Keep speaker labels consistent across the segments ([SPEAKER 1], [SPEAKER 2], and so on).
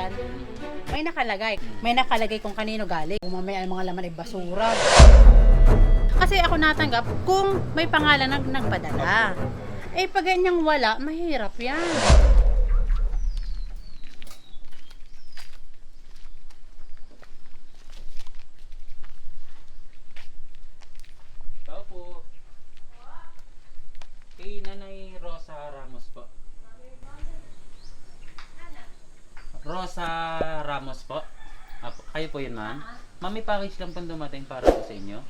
[SPEAKER 1] yan, may nakalagay. May nakalagay kung kanino galing. Kung mamaya ang mga laman ay basura. Kasi ako natanggap kung may pangalan ng nagpadala. Eh pag ganyang wala, mahirap yan.
[SPEAKER 2] Tao po. Kay Nanay Rosa Ramos po. Rosa Ramos po. Apo, kayo po yun, ma'am? Ma'am, may package lang po dumating para po sa inyo.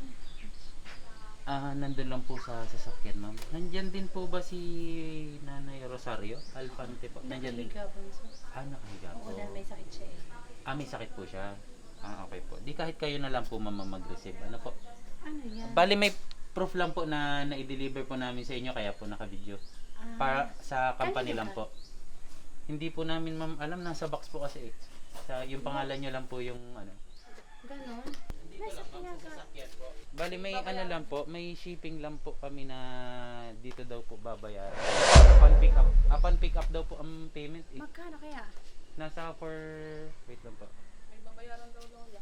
[SPEAKER 2] Nandun lang po sa sasakyan, ma'am. Nandyan din po ba si Nanay Rosario Alfante po? Nandyan din.
[SPEAKER 1] Nakahiga po siya.
[SPEAKER 2] Nakahiga po.
[SPEAKER 1] Oo, dahil may sakit siya eh.
[SPEAKER 2] May sakit po siya. Okay po. Di kahit kayo na lang po, ma'am, mag-receive. Ano po?
[SPEAKER 1] Ano yan?
[SPEAKER 2] Bali, may proof lang po na na-deliver po namin sa inyo, kaya po naka-video. Para sa company lang po. Hindi po namin, ma'am, alam, nasa box po kasi eh. Yung pangalan nyo lang po yung ano.
[SPEAKER 1] Ganon? Nasa pinaka...
[SPEAKER 2] Bali, may ano lang po, may shipping lang po kami na dito daw po babayaran. Upon pick up daw po ang payment eh.
[SPEAKER 1] Magkano kaya?
[SPEAKER 2] Nasa for... Wait lang po.
[SPEAKER 3] May babayaran daw lola.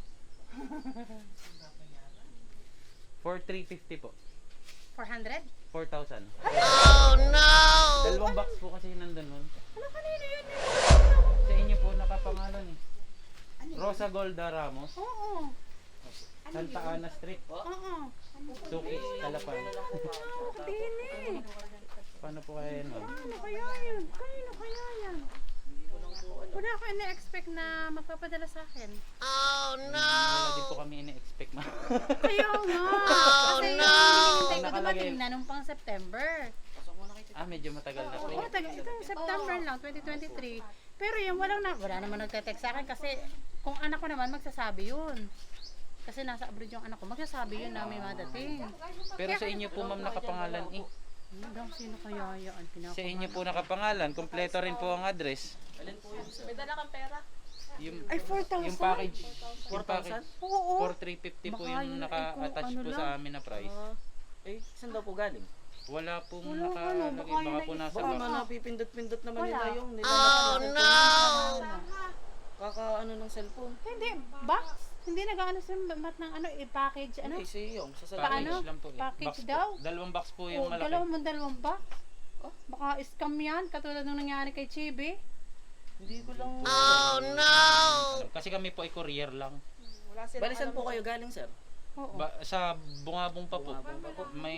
[SPEAKER 2] For 350 po.
[SPEAKER 1] 400?
[SPEAKER 2] 4,000.
[SPEAKER 4] Oh no!
[SPEAKER 2] Dalawang box po kasi nandun nun.
[SPEAKER 1] Ano kanino yun?
[SPEAKER 2] Sa inyo po nakapangalan eh. Rosa Golda Ramos.
[SPEAKER 1] Oo.
[SPEAKER 2] Santa Ana Street.
[SPEAKER 1] Oo.
[SPEAKER 2] Suki, Talapan.
[SPEAKER 1] Din eh.
[SPEAKER 2] Paano po kaya yun, ma'am?
[SPEAKER 1] Ano kaya yun? Kanino kaya yan? Wala ako ina-expect na magpapadala sa akin.
[SPEAKER 4] Oh no!
[SPEAKER 2] Wala din po kami ina-expect, ma'am.
[SPEAKER 1] Kaya nga. Kasi
[SPEAKER 4] no!
[SPEAKER 1] hinihintay ko
[SPEAKER 2] Nakalagay.
[SPEAKER 1] dumating na nung pang September.
[SPEAKER 2] Medyo matagal na po.
[SPEAKER 1] Oo, itong September lang, 2023. Pero yung wala naman nagte-text sa akin kasi kung anak ko naman magsasabi yun. Kasi nasa abroad yung anak ko, magsasabi yun na may madating.
[SPEAKER 2] Pero sa inyo po, ma'am, nakapangalan eh.
[SPEAKER 1] Sino kaya yan?
[SPEAKER 2] Sa inyo po nakapangalan, kompleto rin po ang address.
[SPEAKER 3] May dala kang pera?
[SPEAKER 2] Yung,
[SPEAKER 1] Ay, 4,000?
[SPEAKER 2] yung package. Yung package.
[SPEAKER 1] Oo.
[SPEAKER 2] For 350 po
[SPEAKER 1] Baka
[SPEAKER 2] yung
[SPEAKER 1] yun,
[SPEAKER 2] naka-attach
[SPEAKER 1] ano
[SPEAKER 2] po
[SPEAKER 1] lang.
[SPEAKER 2] sa amin na price.
[SPEAKER 5] Saan daw po galing?
[SPEAKER 2] Wala pong
[SPEAKER 1] Wala,
[SPEAKER 2] nakalagay.
[SPEAKER 1] baka
[SPEAKER 2] Baka
[SPEAKER 1] yun
[SPEAKER 2] po
[SPEAKER 1] ay-
[SPEAKER 2] nasa
[SPEAKER 5] Baka
[SPEAKER 2] box.
[SPEAKER 5] nga napipindot-pindot naman
[SPEAKER 1] Wala.
[SPEAKER 5] nila yung
[SPEAKER 4] Oh no!
[SPEAKER 5] Kaka ano ng cellphone.
[SPEAKER 1] Hindi, box. Hindi nag-ano sa mat ng ano, i-package, ano?
[SPEAKER 5] Hindi, si yung sa
[SPEAKER 2] Package
[SPEAKER 1] Paano?
[SPEAKER 2] lang po eh.
[SPEAKER 1] Package
[SPEAKER 2] Box po.
[SPEAKER 1] daw?
[SPEAKER 2] Dalawang box po yung
[SPEAKER 1] Oh,
[SPEAKER 2] malaki.
[SPEAKER 1] dalawang box. Oh, baka scam yan, katulad nung nangyari kay Chibi.
[SPEAKER 5] Hindi ko lang.
[SPEAKER 4] Oh no!
[SPEAKER 2] Kasi kami po ay courier lang.
[SPEAKER 3] Wala silang
[SPEAKER 5] Balisan po kayo galing, sir?
[SPEAKER 1] Oo.
[SPEAKER 2] Sa Bungabong pa po.
[SPEAKER 5] Bungabong pa po.
[SPEAKER 2] May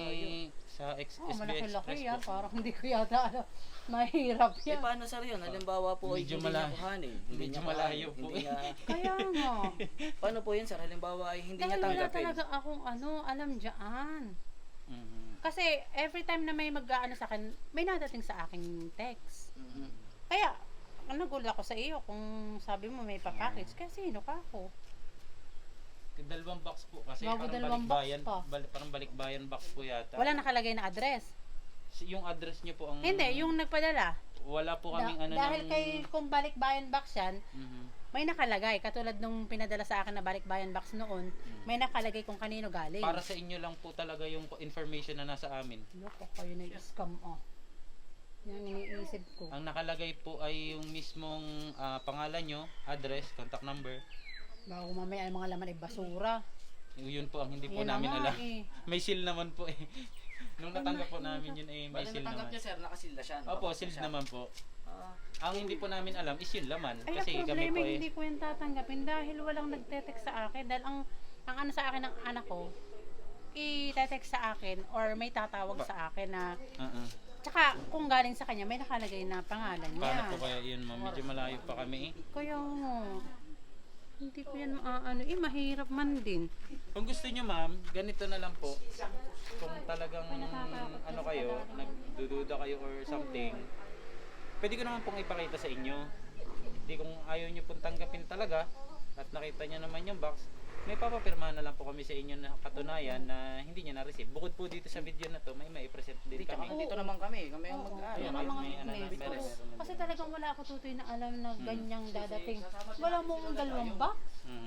[SPEAKER 2] sa
[SPEAKER 1] Oh,
[SPEAKER 2] SB
[SPEAKER 1] malaki-laki
[SPEAKER 2] Express
[SPEAKER 1] yan.
[SPEAKER 2] po.
[SPEAKER 1] Parang hindi ko yata alam. Mahirap
[SPEAKER 5] Eh
[SPEAKER 1] yan.
[SPEAKER 5] paano sir yun? Halimbawa po
[SPEAKER 2] Medyo
[SPEAKER 5] hindi niya
[SPEAKER 2] malayo.
[SPEAKER 5] kuhanin. Hindi
[SPEAKER 2] Medyo
[SPEAKER 5] niya
[SPEAKER 2] malayo
[SPEAKER 5] kuhanin,
[SPEAKER 2] po
[SPEAKER 5] hindi
[SPEAKER 2] eh.
[SPEAKER 5] niya-
[SPEAKER 1] Kaya nga.
[SPEAKER 5] Paano po yun sir? Halimbawa ay hindi niya
[SPEAKER 1] Dahil wala
[SPEAKER 5] tanggapin.
[SPEAKER 1] talaga akong alam dyan.
[SPEAKER 2] Mhm.
[SPEAKER 1] Kasi every time na may mag-ano sa akin, may nadating sa aking text.
[SPEAKER 5] Mhm.
[SPEAKER 1] Kaya, nagulat ako sa iyo kung sabi mo may papackage. Kasi sino ka ako?
[SPEAKER 2] Dalawang box po kasi
[SPEAKER 1] Bago
[SPEAKER 2] parang
[SPEAKER 1] dalawang box
[SPEAKER 2] balikbayan,
[SPEAKER 1] pa.
[SPEAKER 2] parang balikbayan box po yata.
[SPEAKER 1] Wala nakalagay na address.
[SPEAKER 2] Yung address niyo po ang
[SPEAKER 1] Hindi, yung nagpadala.
[SPEAKER 2] wala po kaming ano
[SPEAKER 1] Dahil
[SPEAKER 2] ng
[SPEAKER 1] kay kung balikbayan box yan,
[SPEAKER 2] Mhm.
[SPEAKER 1] may nakalagay. Katulad nung pinadala sa akin na balikbayan box noon, may nakalagay kung kanino galing.
[SPEAKER 2] Para sa inyo lang po talaga yung information na nasa amin.
[SPEAKER 1] Loko, kayo na scam oh. Yan iniisip ko.
[SPEAKER 2] Ang nakalagay po ay yung mismong pangalan nyo, address, contact number.
[SPEAKER 1] Bago mamaya ang mga laman ay basura.
[SPEAKER 2] Yun po ang hindi po
[SPEAKER 1] Yan na
[SPEAKER 2] namin
[SPEAKER 1] nga
[SPEAKER 2] alam.
[SPEAKER 1] eh.
[SPEAKER 2] May seal naman po eh. Nung natanggap po namin yun eh, may
[SPEAKER 5] Bali
[SPEAKER 2] seal
[SPEAKER 5] natanggap
[SPEAKER 2] naman.
[SPEAKER 5] niya sir, nakasilda siya.
[SPEAKER 2] Opo, sealed naman po.
[SPEAKER 5] Ah,
[SPEAKER 2] Ang hindi po namin alam is yung laman.
[SPEAKER 1] Ay,
[SPEAKER 2] Kasi
[SPEAKER 1] ang
[SPEAKER 2] kami
[SPEAKER 1] problema
[SPEAKER 2] po eh.
[SPEAKER 1] hindi ko yung tatanggapin dahil walang nagte-text sa akin. Dahil ang ano sa akin ng anak ko, i-text sa akin or may tatawag sa akin na tsaka kung galing sa kanya may nakalagay na pangalan niya.
[SPEAKER 2] Paano po kaya yun, ma'am? Medyo malayo pa kami eh.
[SPEAKER 1] Kaya nga, hindi ko yan maaano. Mahirap man din.
[SPEAKER 2] Kung gusto nyo, ma'am, ganito na lang po. Kung talagang ano kayo, nagdududa kayo or something, pwede ko naman pong ipakita sa inyo. Hindi kung ayaw nyo pong tanggapin talaga at nakita nyo naman yung box, may papapirmahan na lang po kami sa inyo na katunayan na hindi nyo na-receive. Bukod po dito sa video na to, may mai-present din
[SPEAKER 5] Hindi, tsaka
[SPEAKER 2] kami.
[SPEAKER 5] dito naman kami. Kami ang mag
[SPEAKER 2] Ayun,
[SPEAKER 1] Yan ang mga
[SPEAKER 2] may ano na,
[SPEAKER 1] witness.
[SPEAKER 2] meron.
[SPEAKER 1] Kasi talagang wala ako tutoy na alam na ganyang dadating. Wala mo ang dalawang box.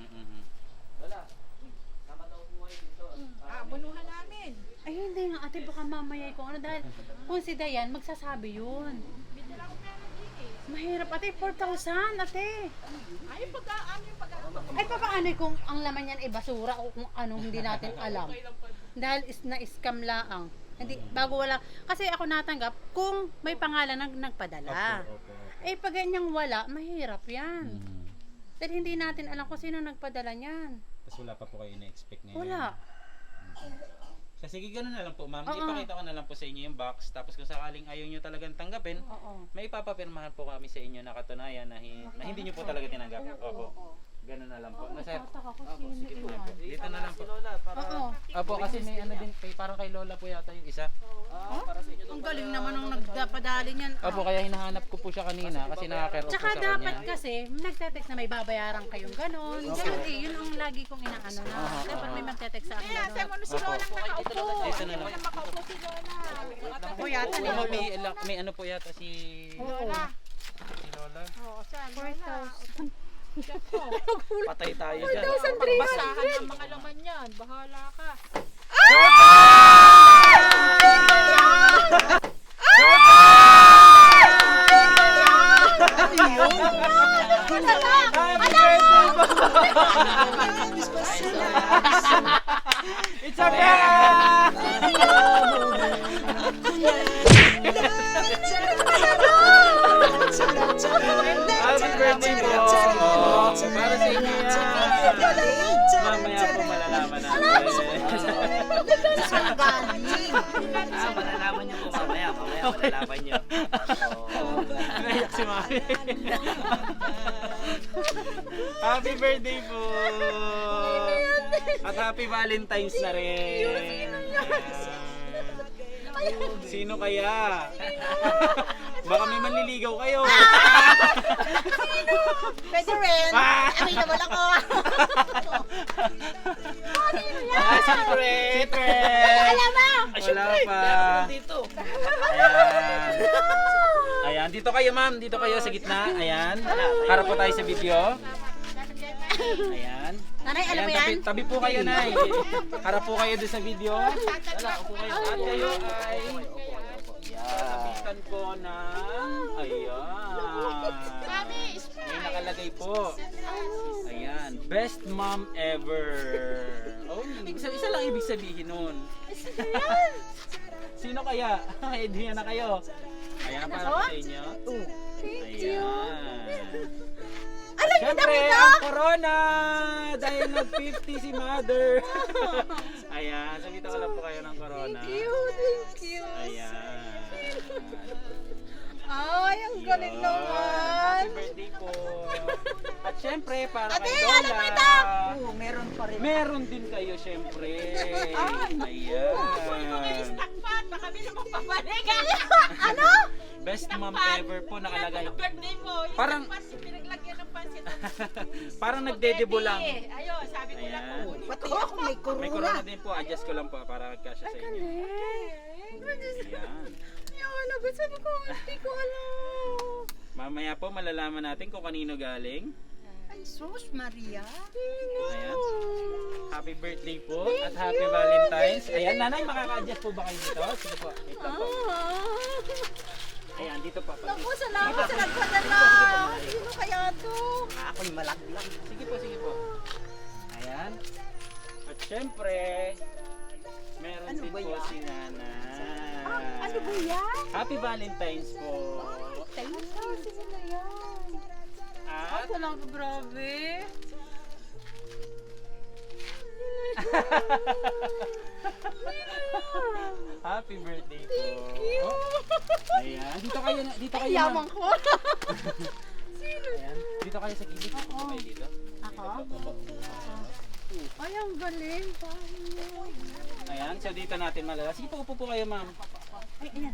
[SPEAKER 5] Wala. Tama daw po kayo dito.
[SPEAKER 3] bunuhan namin.
[SPEAKER 1] Ay hindi nga ate, baka mamaya ko ano dahil kung si Dayan magsasabi yun.
[SPEAKER 3] May dala akong pera din eh.
[SPEAKER 1] Mahirap ate, 4,000 ate.
[SPEAKER 3] Ay, yung pag-aano yung pag-aano.
[SPEAKER 1] Ay papaano kung ang laman yan ay basura o kung anong hindi natin alam. Dahil na-scam laang. Hindi, bago wala. Kasi ako natanggap kung may pangalan ng nagpadala.
[SPEAKER 2] Opo.
[SPEAKER 1] Eh pag ganyang wala, mahirap yan.
[SPEAKER 2] Mhm.
[SPEAKER 1] Dahil hindi natin alam kung sino nagpadala niyan.
[SPEAKER 2] Tapos wala pa po kayo na-expect ngayon.
[SPEAKER 1] Wala.
[SPEAKER 2] So, sige, ganun na lang po, ma'am.
[SPEAKER 1] Oo.
[SPEAKER 2] Ipakita ko na lang po sa inyo yung box. Tapos kung sakaling ayaw nyo talagang tanggapin,
[SPEAKER 1] Oo.
[SPEAKER 2] may ipapapirmahan po kami sa inyo na katunayan na, na hindi nyo po talaga tinanggap. Opo. Ganun na lang po. Nasa,
[SPEAKER 1] Tataka ko sino yan.
[SPEAKER 2] dito na lang po.
[SPEAKER 1] Oo.
[SPEAKER 2] Opo, kasi may ano din, parang kay Lola po yata yung isa.
[SPEAKER 5] Para sa inyo
[SPEAKER 1] Ang galing naman nung nagpadali niyan.
[SPEAKER 2] Opo, kaya hinahanap ko po siya kanina kasi nakakero po
[SPEAKER 1] Tsaka
[SPEAKER 2] sa
[SPEAKER 1] dapat
[SPEAKER 2] kanya.
[SPEAKER 1] kasi, nagte-text na may babayaran kayong ganon. Ganun eh, yun ang lagi kong inaano na. Dapat may magte-text sa akin
[SPEAKER 3] Kaya, sa
[SPEAKER 1] ganon.
[SPEAKER 3] mo si Lola nakaupo.
[SPEAKER 2] Dito na lang.
[SPEAKER 3] Wala makaupo si Lola.
[SPEAKER 1] O yata
[SPEAKER 2] Oo, ma'am, may ano po yata si
[SPEAKER 3] Lola.
[SPEAKER 2] Lola.
[SPEAKER 3] Oo, saan?
[SPEAKER 1] 4,000.
[SPEAKER 2] Patay tayo dyan.
[SPEAKER 3] Basahan ang mga laman yan. Bahala ka.
[SPEAKER 2] It's a prank! Happy birthday po! Para sa inyo yan! Mamaya po malalaman natin.
[SPEAKER 5] malalaman niyo po mamaya. Mamaya malalaman niyo.
[SPEAKER 2] Naiyak si Mami. Happy birthday po! At happy Valentine's na rin! Sino kaya? Baka may manliligaw kayo.
[SPEAKER 1] Pwede rin.
[SPEAKER 2] Ah!
[SPEAKER 1] Ay, naman ako.
[SPEAKER 2] Secret! Alam mo! Wala pa.
[SPEAKER 5] Dito.
[SPEAKER 2] Ayan. Ayan, dito kayo ma'am. Dito kayo sa gitna. Ayan. Harap po tayo sa video. Ayan.
[SPEAKER 1] Nanay, alam mo
[SPEAKER 2] Ayan,
[SPEAKER 1] yan?
[SPEAKER 2] tabi po kayo na. Harap po kayo doon sa video.
[SPEAKER 5] Wala, upo kayo.
[SPEAKER 2] At kayo ay sasabitan ko ng ayan. May nakalagay po. Ayan. Best mom ever. Oh, isa lang ibig sabihin nun. Sino kaya? May idea na kayo. Ayan, para po sa inyo. Ayan. Siyempre, ang corona! Dahil nag-50 si mother. Ayan, sabitan ko lang po kayo ng corona.
[SPEAKER 1] Thank you.
[SPEAKER 2] Ayan.
[SPEAKER 1] Ay, ang galing
[SPEAKER 2] Yun.
[SPEAKER 1] naman.
[SPEAKER 2] Happy birthday po. At syempre, para
[SPEAKER 1] Ate,
[SPEAKER 2] kay Lola.
[SPEAKER 1] ano ba ito?
[SPEAKER 3] Meron pa rin.
[SPEAKER 2] Meron din kayo, syempre. Ayan.
[SPEAKER 3] Takpan, baka may lumang papalik.
[SPEAKER 1] Ano?
[SPEAKER 2] Best mom ever po nakalagay.
[SPEAKER 3] Birthday mo. Yung
[SPEAKER 2] Parang,
[SPEAKER 3] pinaglagyan ng pansit.
[SPEAKER 2] parang nagdedebo lang.
[SPEAKER 3] Ayun, sabi ko lang
[SPEAKER 2] Ayan.
[SPEAKER 3] po.
[SPEAKER 1] Pati ako may
[SPEAKER 2] May corona din po. Adjust ko lang po para magkasya sa inyo. Ayan.
[SPEAKER 1] Yung sabi ko, hindi ko alam.
[SPEAKER 2] Mamaya po malalaman natin kung kanino galing.
[SPEAKER 1] Ay, sus, Maria.
[SPEAKER 2] Ayan. Happy birthday po at happy Valentine's. Ayan, nanay, makaka-adjust po ba kayo dito? Sige po. Wait lang po. Ayan, dito po.
[SPEAKER 1] Naku, salamat sa nagpadala. Sino kaya to?
[SPEAKER 5] Ako'y malaglag.
[SPEAKER 2] Sige po, sige po. Ayan. At syempre, meron din po si nanay.
[SPEAKER 1] Ano ba yan?
[SPEAKER 2] Happy Valentine's po.
[SPEAKER 1] Thank you. Sino na yan?
[SPEAKER 2] At
[SPEAKER 1] Talaga, grabe.
[SPEAKER 2] happy birthday po. Ayan. Dito kayo, dito kayo.
[SPEAKER 1] Yaman ko.
[SPEAKER 2] Ayan. Dito kayo sa gilid. Dito kayo dito.
[SPEAKER 1] Ako? Ay, ang galing.
[SPEAKER 2] Ayan, so dito natin malala. Sige po, upo po kayo, ma'am.
[SPEAKER 1] Ay, ayan.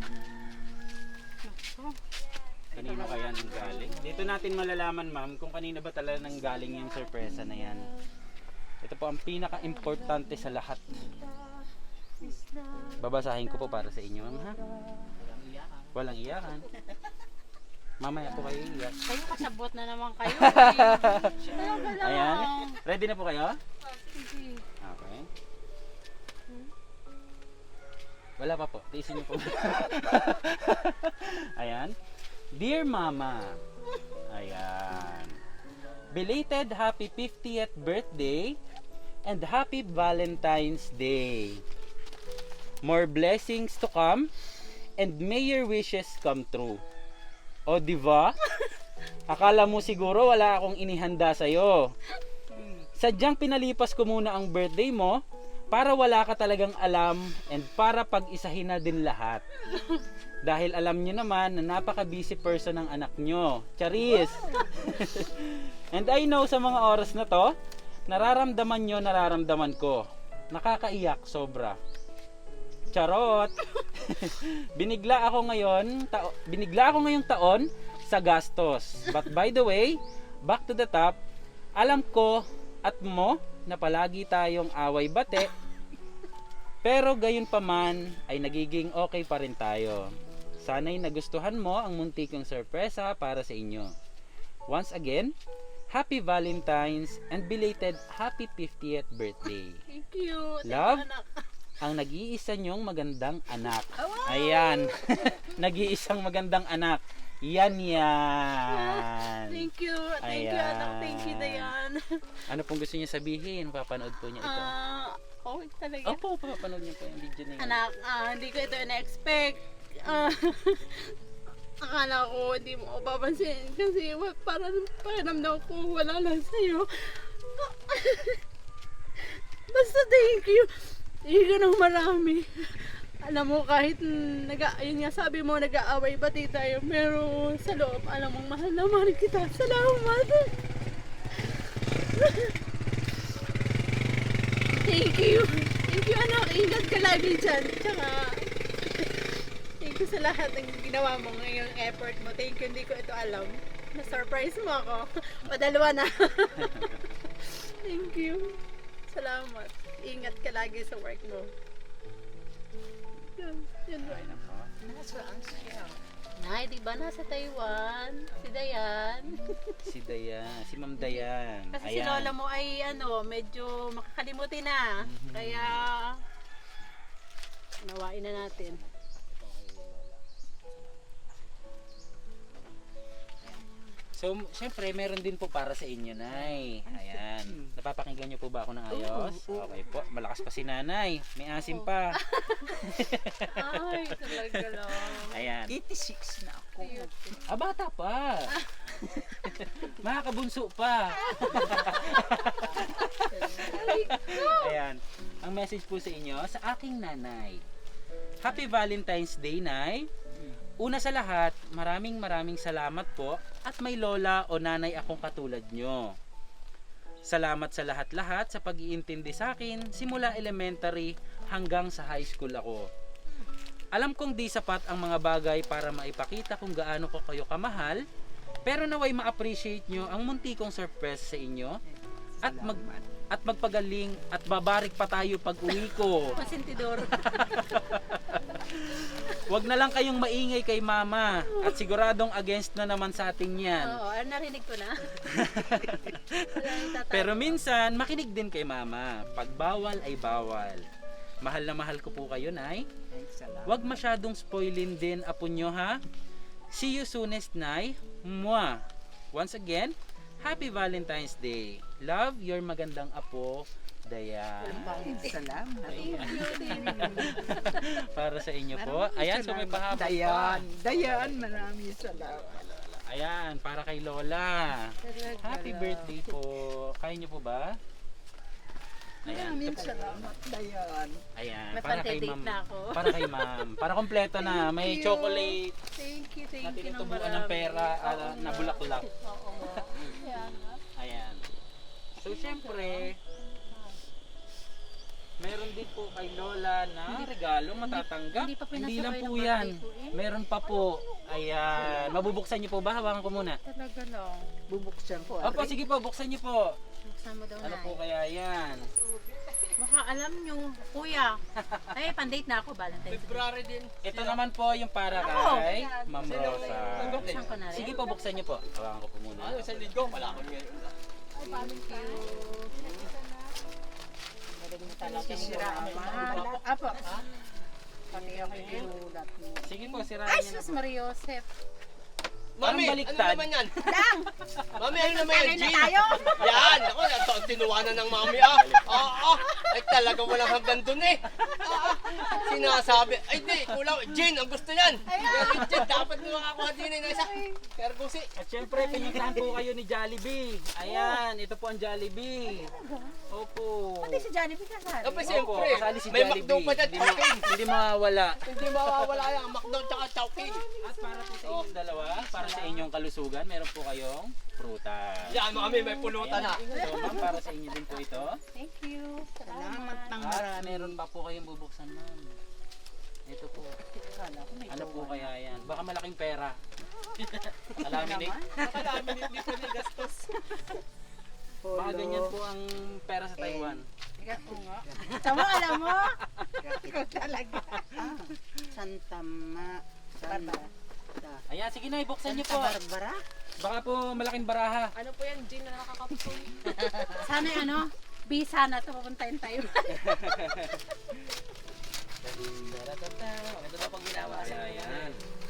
[SPEAKER 2] Kanino kaya nang galing? Dito natin malalaman, ma'am, kung kanino ba talaga nang galing yung sorpresa na yan. Ito po ang pinaka-importante sa lahat. Babasahin ko po para sa inyo, ma'am, ha? Walang iyakan. Mamaya po kayo iyak.
[SPEAKER 1] Kayo kasabot na naman kayo. Talaga lang.
[SPEAKER 2] Ayan. Ready na po kayo?
[SPEAKER 1] Sige.
[SPEAKER 2] Okay. Wala pa po. Tiisin niyo po. Ayan. Dear Mama, ayan. Belated happy 50th birthday and happy Valentine's Day. More blessings to come and may your wishes come true. O diba? Akala mo siguro wala akong inihanda sa'yo. Sadyang pinalipas ko muna ang birthday mo para wala ka talagang alam and para pag-isahin na din lahat. Dahil alam nyo naman na napaka-busy person ng anak nyo. Charis! And I know sa mga oras na to, nararamdaman nyo, nararamdaman ko. Nakakaiyak sobra. Charot! binigla ako ngayong taon sa gastos. But by the way, back to the top, alam ko at mo na palagi tayong away bate. Pero gayon pa man ay nagiging okay pa rin tayo. Sana'y nagustuhan mo ang muntik kong sorpresa para sa inyo. Once again, Happy Valentine's and belated Happy 50th birthday.
[SPEAKER 1] Thank you.
[SPEAKER 2] Love, ang nag-iisa nyong magandang anak. Ayan. Nag-iisang magandang anak. Yan.
[SPEAKER 1] Thank you. Thank you,
[SPEAKER 2] Ayan.
[SPEAKER 1] anak. Thank you, Dayan.
[SPEAKER 2] Ano pong gusto niya sabihin? Papanood po niya ito.
[SPEAKER 1] Okay talaga.
[SPEAKER 2] Opo, papanood niya po yung video na yun.
[SPEAKER 1] Anak, hindi ko ito na-expect. Akala ko hindi mo ako papansin kasi parang pakiramdam ko wala lang sa'yo. Basta thank you. Thank you ng marami. Alam mo kahit yun nga sabi mo nag-aaway bati tayo pero sa loob alam mong mahal na mahal kita. Salamat. Thank you. Thank you anak. Ingat ka lagi dyan. Tsaka thank you sa lahat ng ginawa mo ngayong effort mo. Thank you. Hindi ko ito alam. Na-surprise mo ako. Padalawa na. Thank you. Salamat. Ingat ka lagi sa work mo. Yun ba?
[SPEAKER 3] Nasaan siya?
[SPEAKER 1] Nay, di ba nasa Taiwan? Si Dayan.
[SPEAKER 2] Si Dayan, si Ma'am Dayan.
[SPEAKER 1] Kasi si lola mo ay medyo makakalimutin na. Kaya nawain na natin.
[SPEAKER 2] So, syempre, meron din po para sa inyo, Nay. Ayan. Napapakinggan niyo po ba ako ng ayos? Okay po. Malakas pa si Nanay. May asim pa.
[SPEAKER 1] Ay, talaga lang.
[SPEAKER 2] Ayan.
[SPEAKER 3] 86 na ako.
[SPEAKER 2] Bata pa. Makakabunso pa. Ayan. Ang message po sa inyo, sa aking nanay. Happy Valentine's Day, Nay. Una sa lahat, maraming salamat po at may lola o nanay akong katulad nyo. Salamat sa lahat-lahat sa pag-iintindi sa akin simula elementary hanggang sa high school ako. Alam kong di sapat ang mga bagay para maipakita kung gaano ko kayo kamahal, pero naway ma-appreciate nyo ang munti kong surprise sa inyo at magpagaling at babarik pa tayo pag uwi ko.
[SPEAKER 1] Pasintidor.
[SPEAKER 2] Wag na lang kayong maingay kay mama at siguradong against na naman sa atin yan.
[SPEAKER 1] Oo, narinig ko na.
[SPEAKER 2] Pero minsan, makinig din kay mama. Pag bawal ay bawal. Mahal na mahal ko po kayo, Nay. Wag masyadong spoilin din apo nyo, ha? See you soonest, Nay. Mwah! Once again, Happy Valentine's Day. Love, your magandang apo, Dayan.
[SPEAKER 3] Salamat.
[SPEAKER 2] Para sa inyo po. Ayan, so may pahaba pa.
[SPEAKER 3] Dayan, maraming salamat.
[SPEAKER 2] Ayan, para kay Lola. Happy birthday po. Kaya niyo po ba? Ayan.
[SPEAKER 3] Maraming salamat, Dayan.
[SPEAKER 2] Ayan,
[SPEAKER 1] May
[SPEAKER 2] para kay
[SPEAKER 1] pantay-date
[SPEAKER 2] ma'am.
[SPEAKER 1] na ako.
[SPEAKER 2] Para kay ma'am. Para kompleto na. May chocolate
[SPEAKER 1] Thank you
[SPEAKER 2] na
[SPEAKER 1] ng
[SPEAKER 2] tinutubuan
[SPEAKER 1] marami.
[SPEAKER 2] ng pera na bulaklak.
[SPEAKER 1] Oo. Kaya nga.
[SPEAKER 2] Ayan. So, syempre, meron din po kay Lola na regalo matatanggap.
[SPEAKER 1] hindi pa pinasok
[SPEAKER 2] Hindi lang
[SPEAKER 1] kayo
[SPEAKER 2] po
[SPEAKER 1] ng
[SPEAKER 2] yan.
[SPEAKER 1] birthday ko eh.
[SPEAKER 2] Meron pa po. Ayan. Mabubuksan niyo po ba? Hawakan ko muna.
[SPEAKER 1] Talaga lang.
[SPEAKER 3] Bubuksan ko.
[SPEAKER 2] Opo, sige po. Buksan niyo po.
[SPEAKER 1] Buksan mo daw
[SPEAKER 2] Ano
[SPEAKER 1] na.
[SPEAKER 2] po kaya yan?
[SPEAKER 1] Baka alam nyo, kuya. Ay, pandate na ako, Valentine's.
[SPEAKER 5] February din.
[SPEAKER 2] Ito naman po yung para kay Ma'am Rosa.
[SPEAKER 1] Buksan ko na rin.
[SPEAKER 2] Sige po, buksan niyo po. Hawakan ko po muna.
[SPEAKER 5] Ano, sa linggo, malakot ngayon.
[SPEAKER 1] Thank you.
[SPEAKER 3] Sisira ang pangalan. Apo. Pati ako ginulat mo.
[SPEAKER 2] Sige po, sirahan
[SPEAKER 1] Ay,
[SPEAKER 2] niyo na
[SPEAKER 1] sus
[SPEAKER 2] po.
[SPEAKER 1] Maria Joseph.
[SPEAKER 2] Parang
[SPEAKER 5] Mami, ano
[SPEAKER 2] baliktad.
[SPEAKER 5] naman yan?
[SPEAKER 3] Lang!
[SPEAKER 5] Mami, ano naman yan,
[SPEAKER 3] Tagay na
[SPEAKER 5] Jean?
[SPEAKER 3] tayo!
[SPEAKER 5] Yan! Ako, tinuwanan ng mami, Oo! Ay, talaga walang hanggan dun eh. Sinasabi, ay di, kulang. Jean, ang gusto yan. Pero Jean, dapat mo makakuha din na isa. Pero gusi.
[SPEAKER 2] At syempre, pinuntahan po kayo ni Jollibee. Ayan, ito po ang Jollibee. Opo.
[SPEAKER 3] Pati si Jollibee kasali.
[SPEAKER 5] Opo,
[SPEAKER 2] Opo,
[SPEAKER 5] siyempre.
[SPEAKER 2] kasali si
[SPEAKER 5] May
[SPEAKER 2] Jollibee.
[SPEAKER 5] McDo pa dyan, Chowking.
[SPEAKER 2] Hindi mawawala.
[SPEAKER 5] Hindi mawawala yan, McDo tsaka Chowking.
[SPEAKER 2] At para po sa inyong dalawa, para sa inyong kalusugan, meron po kayong prutas.
[SPEAKER 5] Yan, mami, may pulutan na.
[SPEAKER 2] So, ma'am, para sa inyo din po ito.
[SPEAKER 1] Thank you.
[SPEAKER 3] Salamat ng
[SPEAKER 2] At
[SPEAKER 3] marami.
[SPEAKER 2] meron pa po kayong bubuksan, ma'am. Ito po. Ano po kaya yan? Baka malaking pera. Alamin eh. Alamin hindi pa gastos. Baka ganyan po ang pera sa Taiwan.
[SPEAKER 3] Tama, alam mo? Ikaw talaga. Santama. Santa.
[SPEAKER 2] Ayan, sige na, ibuksan niyo po.
[SPEAKER 3] Barbara?
[SPEAKER 2] Baka po malaking baraha.
[SPEAKER 6] Ano po yan, Jean, na nakakapitol?
[SPEAKER 1] Sana ano, bisa na ito papuntahin tayo.
[SPEAKER 2] Ito na pag ginawa siya. Ayan.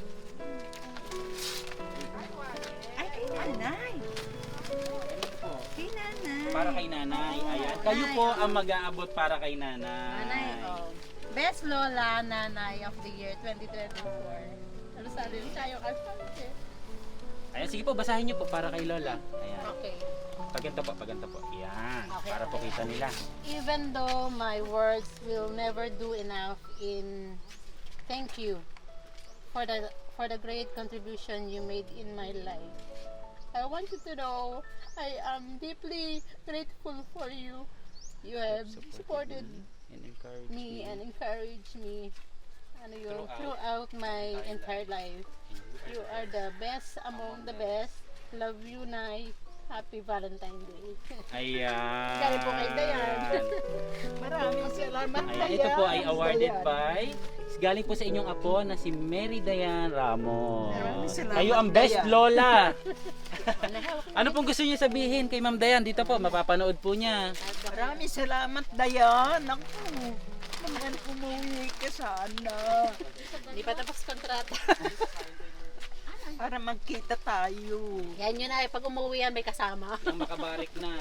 [SPEAKER 3] Ay, kay nanay.
[SPEAKER 2] Ano po?
[SPEAKER 3] Kay nanay.
[SPEAKER 2] Para kay nanay. Ayan. Kayo po ang mag-aabot para kay nanay.
[SPEAKER 1] Nanay, oh. Best Lola Nanay of the Year 2024. Ano sa rin tayo kasi?
[SPEAKER 2] Ayan, sige po, basahin niyo po para kay Lola. Ayan.
[SPEAKER 1] Okay.
[SPEAKER 2] Paganto po. Ayan.
[SPEAKER 1] Okay.
[SPEAKER 2] Para po kita nila.
[SPEAKER 1] Even though my words will never do enough in thank you for the great contribution you made in my life. I want you to know I am deeply grateful for you. You have supported
[SPEAKER 2] And encourage
[SPEAKER 1] me and encouraged me ano yun, throughout my entire life. You are the best among the best. Love you, Nay. Happy Valentine's Day.
[SPEAKER 2] Ayan.
[SPEAKER 1] Galing po kay Dayan.
[SPEAKER 3] Maraming salamat,
[SPEAKER 2] Ayan, ito po ay awarded by galing po sa inyong apo na si Mary Dayan Ramos.
[SPEAKER 3] Maraming salamat,
[SPEAKER 2] Kayo ang best
[SPEAKER 3] Dayan.
[SPEAKER 2] lola. Ano pong gusto niyo sabihin kay Ma'am Dayan? Dito po, mapapanood po niya.
[SPEAKER 3] Maraming salamat, Dayan. Ako, naman umuwi ka sana.
[SPEAKER 1] Hindi pa tapos kontrata.
[SPEAKER 3] Para magkita tayo.
[SPEAKER 1] Yan yun na, pag umuwi yan may kasama.
[SPEAKER 2] Nang makabarik na.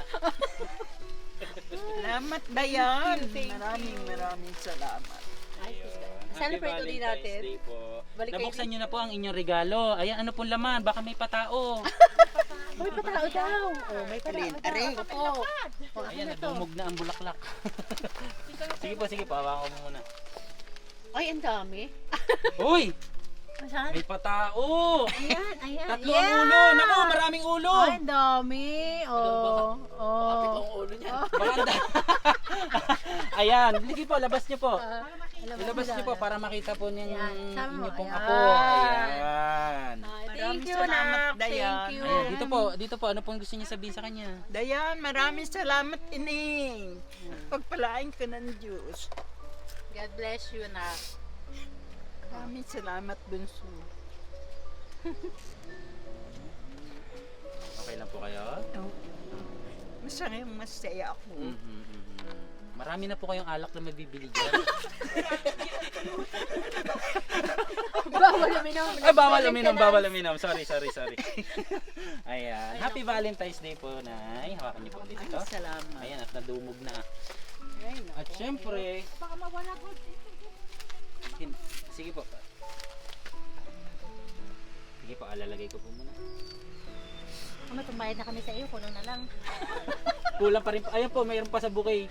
[SPEAKER 3] Salamat, Dayan. Maraming salamat.
[SPEAKER 1] Celebrate ulit natin.
[SPEAKER 2] Day po.
[SPEAKER 1] Balik kayo
[SPEAKER 2] Nabuksan niyo na po ang inyong regalo. Ayan, ano pong laman? Baka may patao.
[SPEAKER 1] May patao daw. Oh, may patao
[SPEAKER 3] Alin,
[SPEAKER 1] daw.
[SPEAKER 3] aray.
[SPEAKER 1] Oo. Oh,
[SPEAKER 2] Ayan,
[SPEAKER 1] ano to?
[SPEAKER 2] nadumog na ang bulaklak. Sige po, hawakan ko muna.
[SPEAKER 1] Ay, ang dami.
[SPEAKER 2] Uy!
[SPEAKER 1] Saan?
[SPEAKER 2] May patao!
[SPEAKER 1] Ayan.
[SPEAKER 2] Tatlo ang ulo! Naku, maraming ulo!
[SPEAKER 1] Ay, ang dami. Oh. Oh.
[SPEAKER 2] Maganda. Ayan, sige po, labas niyo po.
[SPEAKER 1] Ilabas
[SPEAKER 2] Ilabas niyo po para makita po niyo
[SPEAKER 1] Ayan,
[SPEAKER 2] yung
[SPEAKER 1] sama mo.
[SPEAKER 2] inyo pong
[SPEAKER 1] Ayan.
[SPEAKER 2] apo. Ayan.
[SPEAKER 1] Thank
[SPEAKER 3] Maraming
[SPEAKER 1] you,
[SPEAKER 3] salamat,
[SPEAKER 1] Nak.
[SPEAKER 3] Dayan.
[SPEAKER 1] Thank you.
[SPEAKER 2] Ayan, dito po, ano pong gusto niyo sabihin sa kanya?
[SPEAKER 3] Dayan, maraming salamat, Ining. Pagpalain ka ng Diyos.
[SPEAKER 1] God bless you, Nak.
[SPEAKER 3] Maraming salamat, Bunso.
[SPEAKER 2] Okay lang po kayo?
[SPEAKER 3] Masaya ako.
[SPEAKER 2] Marami na po kayong alak na mabibili dyan.
[SPEAKER 1] Bawal uminom.
[SPEAKER 2] Ay, bawal uminom. Sorry. Ayan. Happy Valentine's Day po, Nay. Hawakan niyo po dito.
[SPEAKER 3] Salamat.
[SPEAKER 2] Ayan, at nadumog na. At syempre,
[SPEAKER 1] Baka mawala ko.
[SPEAKER 2] sige po. Sige po, alalagay ko po muna.
[SPEAKER 1] Kung may tumbayad na kami sa iyo, kuno na lang.
[SPEAKER 2] Kulang pa rin po. Ayan po, mayroon pa sa bouquet.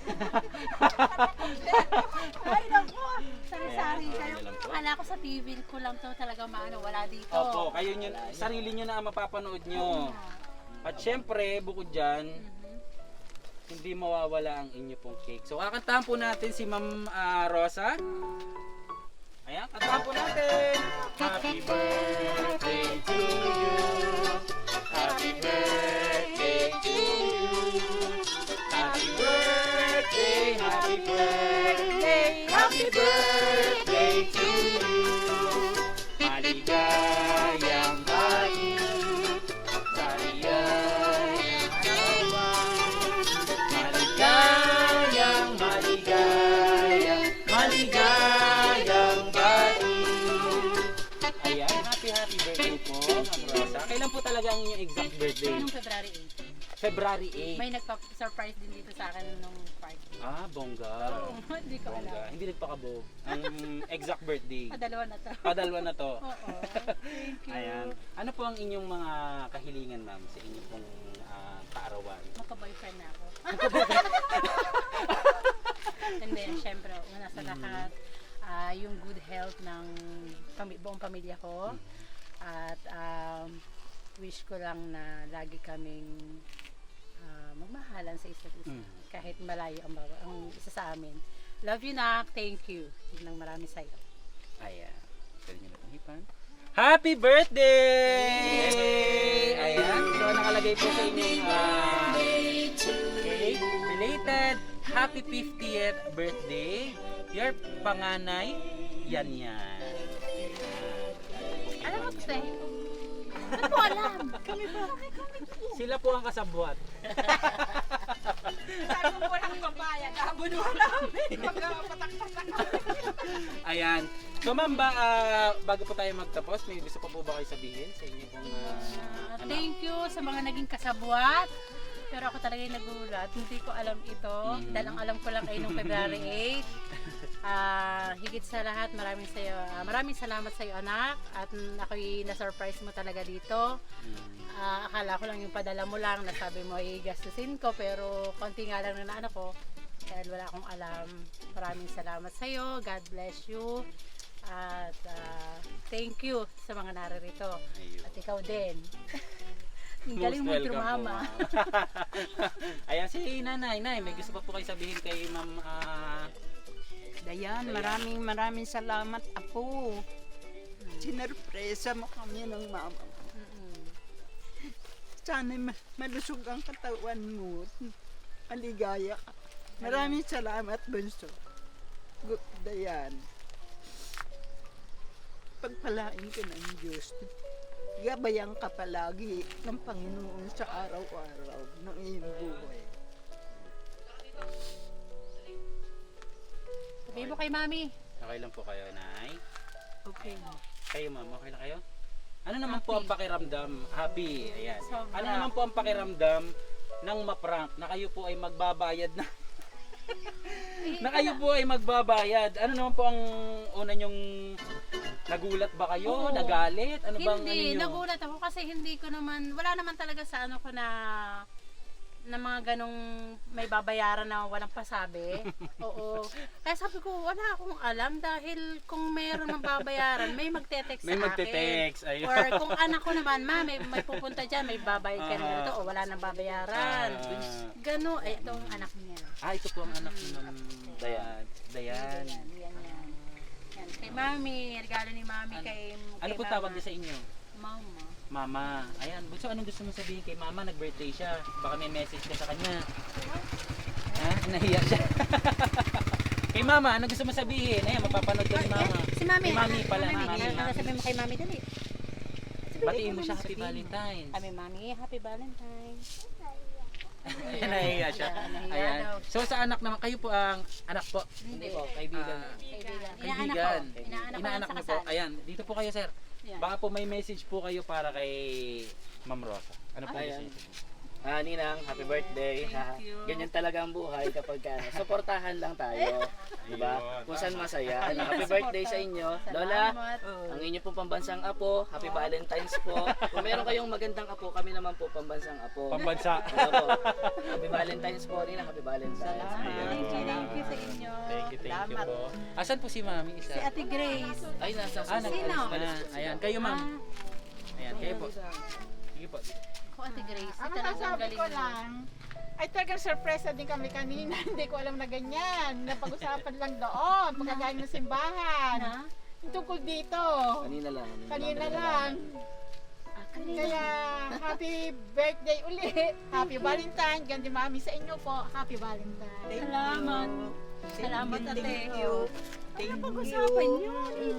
[SPEAKER 1] Ay, naku. Sari-sari.
[SPEAKER 2] Ayan,
[SPEAKER 1] Kaya,
[SPEAKER 2] ano lang po.
[SPEAKER 1] akala ko sa TV ko lang to talaga maano, wala dito.
[SPEAKER 2] Opo, kayo nyo, sarili nyo na ang mapapanood nyo. At syempre, bukod dyan, hindi mawawala ang inyo pong cake. So, kakantahan po natin si Ma'am Rosa. Ayan, kantahan po natin. Happy birthday to you. Happy birthday to you. Happy birthday, happy birthday, happy birthday to you. Maligayang hari, maligayang arawan. Maligayang maligayang bati. Ayan, happy happy birthday po, Ma'am Rosa. Kailan po talaga ang inyong exact birthday?
[SPEAKER 1] Noong February 8.
[SPEAKER 2] February 8.
[SPEAKER 1] May nagpa-surprise din dito sa akin nung party.
[SPEAKER 2] Ah, bongga.
[SPEAKER 1] Oo, hindi ko
[SPEAKER 2] Bongga.
[SPEAKER 1] alam.
[SPEAKER 2] Hindi nagpakabog. Ang exact birthday.
[SPEAKER 1] Padalawa na to.
[SPEAKER 2] Padalwa na to.
[SPEAKER 1] Oo. Thank you.
[SPEAKER 2] Ayan. Ano po ang inyong mga kahilingan, ma'am, sa inyong pong kaarawan?
[SPEAKER 1] Magka-boyfriend na ako. Hindi, syempre, una sa lahat, yung good health ng buong pamilya ko. At wish ko lang na lagi kaming magmahalan sa isa't isa. Kahit malayo ang isa sa amin. Love you, Nak. Thank you. Yun lang marami sa'yo.
[SPEAKER 2] Ayan. Pwede nyo na itong hipan. Happy birthday! Ayan. So, nakalagay po sa inyong cake. Belated happy 50th birthday. Your panganay, Yan Yan.
[SPEAKER 1] Alam mo, Tse? Ano mo alam? Kami ba?
[SPEAKER 2] Sila po ang kasabwat.
[SPEAKER 3] Sabi mo walang babayan, kabunuhan namin. Magpatak-patak.
[SPEAKER 2] Ayan. So, ma'am, bago po tayo magtapos, may gusto pa po ba kayo sabihin sa inyo pong
[SPEAKER 1] Thank you sa mga naging kasabwat. Pero ako talaga yung nagulat. Hindi ko alam ito. Dahil ang alam ko lang ay nung February 8. Higit sa lahat, maraming salamat sa iyo, anak. At ako'y na-surprise mo talaga dito. Akala ko lang yung padala mo lang, nasabi mo ay gastusin ko. Pero konti nga lang na ano ko. Dahil wala akong alam. Maraming salamat sa iyo. God bless you. At thank you sa mga naririto. At ikaw din. Ang galing mo tumama.
[SPEAKER 2] Ayan, si nanay, may gusto pa po kayo sabihin kay ma'am
[SPEAKER 3] Dayan, maraming salamat, Apo. Sinurpresa mo kami ng mama mo. Sana malusog ang katawan mo. Maligaya ka. Maraming salamat, Bunso. Dayan. Pagpalain ka ng Diyos. Gabayan ka palagi ng Panginoon sa araw-araw ng iyong buhay.
[SPEAKER 1] Sabihin mo kay Mami.
[SPEAKER 2] Okay lang po kayo, nay?
[SPEAKER 3] Okay.
[SPEAKER 2] Kayo, ma'am, okay lang kayo? Ano naman po ang pakiramdam? Happy, ayan.
[SPEAKER 1] Sobra.
[SPEAKER 2] Ano naman po ang pakiramdam ng maprank na kayo po ay magbabayad na na kayo po ay magbabayad? Ano naman po ang una nyong nagulat ba kayo?
[SPEAKER 1] Oo.
[SPEAKER 2] Nagalit? Ano bang
[SPEAKER 1] Hindi,
[SPEAKER 2] ano nyo?
[SPEAKER 1] nagulat ako kasi hindi ko naman, wala naman talaga sa ano ko na mga ganong may babayaran na walang pasabi. Oo. Kaya sabi ko, wala akong alam dahil kung mayroon mang babayaran, may magte-text
[SPEAKER 2] May
[SPEAKER 1] sa
[SPEAKER 2] magte-text,
[SPEAKER 1] akin.
[SPEAKER 2] ayun.
[SPEAKER 1] Or kung anak ko naman, may pupunta dyan, may babayad ka na ganito, o wala nang babayaran. Gano, ay ito ang anak niya.
[SPEAKER 2] Ito po ang anak ni Ma'am Dayan. Dayan.
[SPEAKER 1] Yan. Kay Mami, regalo ni Mami kay
[SPEAKER 2] Ano po
[SPEAKER 1] Mama.
[SPEAKER 2] tawag niya sa inyo?
[SPEAKER 1] Mama.
[SPEAKER 2] Mama. Ayan. So, anong gusto mo sabihin kay Mama? Nag-birthday siya. Baka may message ka sa kanya. Ha? Nahiya siya. Kay Mama, ano gusto mo sabihin? Ayan, mapapanood ko ni Mama.
[SPEAKER 1] Si Mami.
[SPEAKER 2] Kay Mami pala.
[SPEAKER 1] Mami. Ano sabihin mo kay Mami, dali.
[SPEAKER 2] Batiin mo siya. Happy Valentine's.
[SPEAKER 1] Kami, Mami, happy Valentine's.
[SPEAKER 2] Nahiya siya.
[SPEAKER 1] Nahiya
[SPEAKER 2] Ayan.
[SPEAKER 1] daw.
[SPEAKER 2] So, sa anak naman, kayo po ang anak po.
[SPEAKER 1] Hindi
[SPEAKER 5] po, kaibigan.
[SPEAKER 1] Kaibigan.
[SPEAKER 2] Kaibigan.
[SPEAKER 1] Inaanak ko
[SPEAKER 2] Inaanak
[SPEAKER 1] lang
[SPEAKER 2] niyo
[SPEAKER 1] sa
[SPEAKER 2] po.
[SPEAKER 1] kasal.
[SPEAKER 2] Ayan, dito po kayo, sir.
[SPEAKER 1] Yan.
[SPEAKER 2] Baka po may message po kayo para kay Ma'am Rosa. Ano po
[SPEAKER 7] Ayan.
[SPEAKER 2] message?
[SPEAKER 7] Ninang, happy birthday.
[SPEAKER 1] Thank you.
[SPEAKER 7] Ganyan talaga ang buhay kapag suportahan lang tayo. Diba?
[SPEAKER 2] Ayun.
[SPEAKER 7] Kung saan masaya. Happy birthday sa inyo. Lola,
[SPEAKER 1] Salamat.
[SPEAKER 7] ang inyo pong pambansang apo. Happy Valentine's po. Kung meron kayong magandang apo, kami naman po pambansang apo.
[SPEAKER 2] Pambansa.
[SPEAKER 7] Ano po? Happy Valentine's po. Ninang, happy Valentine's.
[SPEAKER 1] Thank you sa inyo.
[SPEAKER 2] Thank you po. Asan po si Mami isa?
[SPEAKER 1] Si Ate Grace.
[SPEAKER 7] Ay, nasa
[SPEAKER 1] Sino?
[SPEAKER 2] Ayan, kayo ma'am. Ayan, kayo po. Sige po.
[SPEAKER 1] Ako, Ate Grace.
[SPEAKER 8] Ang
[SPEAKER 1] Talagang
[SPEAKER 8] masasabi
[SPEAKER 1] galing
[SPEAKER 8] ko
[SPEAKER 1] mo.
[SPEAKER 8] lang, ay talagang surprise din kami kanina. Hindi ko alam na ganyan. Napag-usapan lang doon, pagkagaling ng simbahan.
[SPEAKER 1] Ha?
[SPEAKER 8] Yung tungkol dito.
[SPEAKER 7] Kanina lang.
[SPEAKER 8] Kanina lang. Kaya, happy birthday uli. Happy Valentine. Ganda mami sa inyo po. Happy Valentine.
[SPEAKER 1] Salamat. Salamat, Ate.
[SPEAKER 3] Thank you.
[SPEAKER 1] Pag-usapan niyo.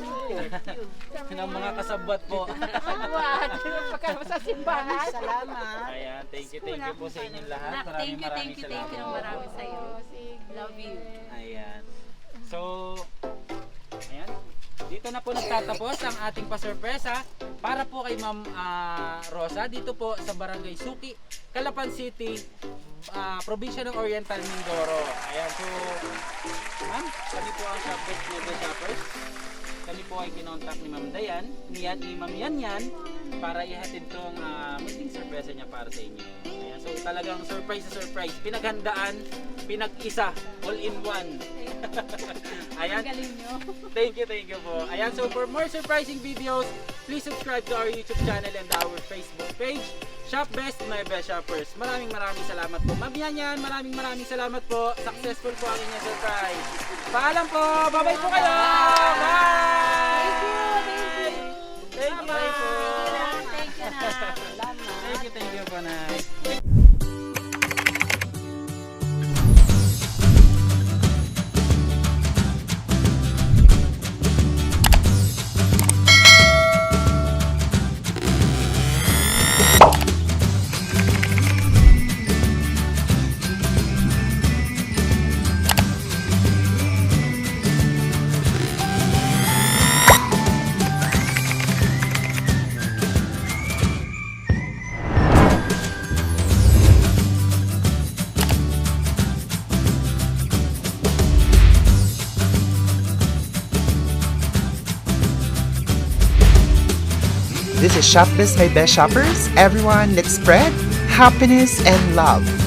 [SPEAKER 2] Ng mga kasabwat po.
[SPEAKER 8] What? Pagkakaroon sa simbahan.
[SPEAKER 3] Salamat.
[SPEAKER 2] Ayan, thank you po sa inyong lahat.
[SPEAKER 1] Nak, thank you
[SPEAKER 2] salamat.
[SPEAKER 1] ng marami sa'yo.
[SPEAKER 8] Sige.
[SPEAKER 1] Love you.
[SPEAKER 2] Ayan. So, ayan. dito na po nagtatapos ang ating pasurpresa para po kay Ma'am Rosa dito po sa Barangay Suki, Calapan City, probinsya ng Oriental Mindoro. Ayan, so ma'am, kami po ang Shopbest Mega Shoppers. Kami po ay kinontak ni Ma'am Dayan, ni Ma'am Yan para ihatid tong munting surpresa niya para sa inyo. Ayan, so talagang surprise sa surprise. Pinaghandaan, pinag-isa, all in one. Ayan.
[SPEAKER 1] Galing nyo.
[SPEAKER 2] Thank you po. Ayan, so for more surprising videos, please subscribe to our YouTube channel and our Facebook page, Shop Best My Best Shoppers. Maraming salamat po. Ma'am Yan, maraming salamat po. Successful po ang inyong surprise. Paalam po. Bye-bye po kayo. Bye! Thank you.
[SPEAKER 1] Thank you na. Salamat.
[SPEAKER 2] Thank you po, Nay.
[SPEAKER 9] This is Shop Best My Best Shoppers. Everyone, let's spread happiness and love.